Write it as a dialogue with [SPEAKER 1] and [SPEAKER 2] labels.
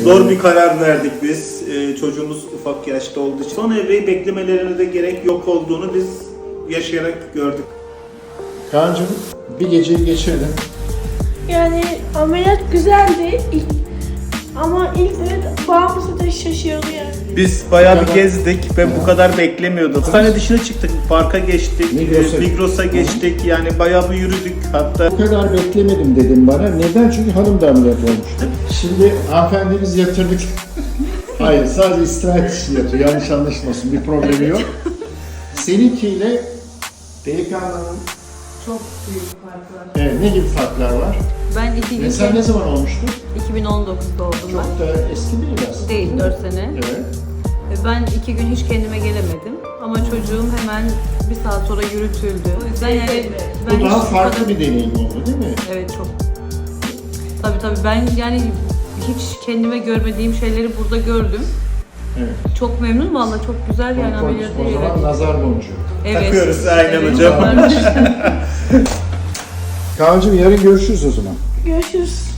[SPEAKER 1] Zor bir karar verdik biz. Çocuğumuz ufak yaşta olduğu için. Son evreyi beklemelerine de gerek yok olduğunu biz yaşayarak gördük.
[SPEAKER 2] Kaan'cığım bir geceyi geçirdin.
[SPEAKER 3] Yani ameliyat güzeldi ama ilk babamız da şaşırdı yani.
[SPEAKER 1] Biz bayağı bir gezdik ve bu kadar beklemiyorduk. Hastane dışına çıktık, parka geçtik, Migros'a geçtik, yani bayağı bir yürüdük hatta.
[SPEAKER 2] Bu kadar beklemedim dedim bana. Neden? Çünkü hanım da ameliyat olmuştu. Şimdi hanımefendimiz yatırdık. Hayır, sadece istirahat için yatıyor. Yanlış anlaşılmasın, bir problemi yok. Seninkiyle delikanlının
[SPEAKER 4] Çok büyük fark var.
[SPEAKER 2] evet, ne gibi farklar var?
[SPEAKER 4] Ben 2 gün
[SPEAKER 2] Mesela ne zaman olmuştu?
[SPEAKER 4] 2019'da oldum
[SPEAKER 2] Çok
[SPEAKER 4] ben.
[SPEAKER 2] da eski değil aslında.
[SPEAKER 4] Değil, 4 sene.
[SPEAKER 2] Evet.
[SPEAKER 4] Ben 2 gün hiç kendime gelemedim. Ama çocuğum hemen bir saat sonra yürütüldü. O yüzden yani ben
[SPEAKER 2] Bu daha
[SPEAKER 4] hiç bu
[SPEAKER 2] farklı
[SPEAKER 4] kadar-
[SPEAKER 2] bir deneyim oldu değil mi?
[SPEAKER 4] Evet, çok. Tabii ben yani hiç kendime görmediğim şeyleri burada gördüm.
[SPEAKER 2] Evet.
[SPEAKER 4] Çok memnun valla, çok güzel yani ameliyatı.
[SPEAKER 2] O zaman nazar boncuğu.
[SPEAKER 4] Evet.
[SPEAKER 1] Takıyoruz, aynen
[SPEAKER 4] Evet,
[SPEAKER 1] hocam.
[SPEAKER 4] varmış.
[SPEAKER 2] Kaan'cığım yarın görüşürüz o zaman.
[SPEAKER 3] Görüşürüz.